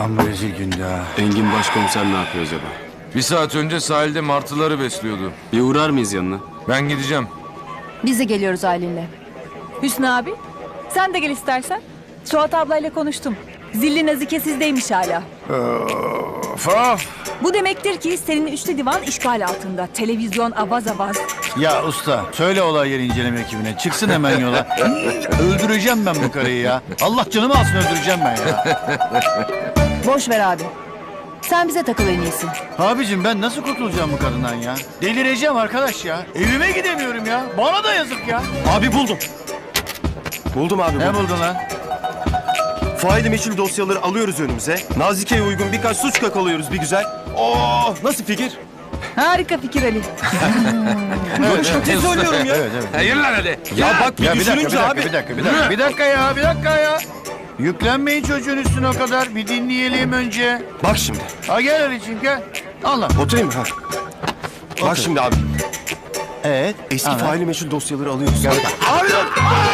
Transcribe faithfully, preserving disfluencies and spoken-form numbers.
Amma rezil gündü ha. Engin başkomiser ne yapıyor acaba? Bir saat önce sahilde martıları besliyordu. Bir uğrar mıyız yanına? Ben gideceğim. Biz de geliyoruz Aylin'le. Hüsnü abi, sen de gel istersen. Suat ablayla konuştum. Zilli Nazike sizdeymiş hala. Of of. Bu demektir ki senin üçlü divan işgal altında. Televizyon avaz avaz. Ya usta söyle olay yeri inceleme ekibine. Çıksın hemen yola. Öldüreceğim ben bu karıyı ya. Allah canımı alsın öldüreceğim ben ya. Boş ver abi. Sen bize takıl en iyisi. Abicim ben nasıl kurtulacağım bu kadından ya? Delireceğim arkadaş ya. Evime gidemiyorum ya. Bana da yazık ya. Abi buldum. Buldum abi Ne buldum. buldun lan? Faili meçhul dosyaları alıyoruz önümüze. Nazike'ye uygun birkaç suç kakalıyoruz bir güzel. Oo, nasıl fikir? Harika fikir Ali. Evet, Ciddi söylüyorum ya. Evet evet. Hayır lan hadi. Ya bak bir Ya bir dakika, bir düşününce dakika, abi. bir dakika, bir dakika, bir dakika ya, bir dakika ya. Yüklenmeyin çocuğun üstüne o kadar. Bir dinleyelim önce. Bak şimdi. Ha gel Ali'ciğim gel. Allah. Oturayım mı? Ha. Bak şimdi abi. Evet. Eski anlat. faili meçhul dosyaları alıyoruz. Gel bak. Abi dur.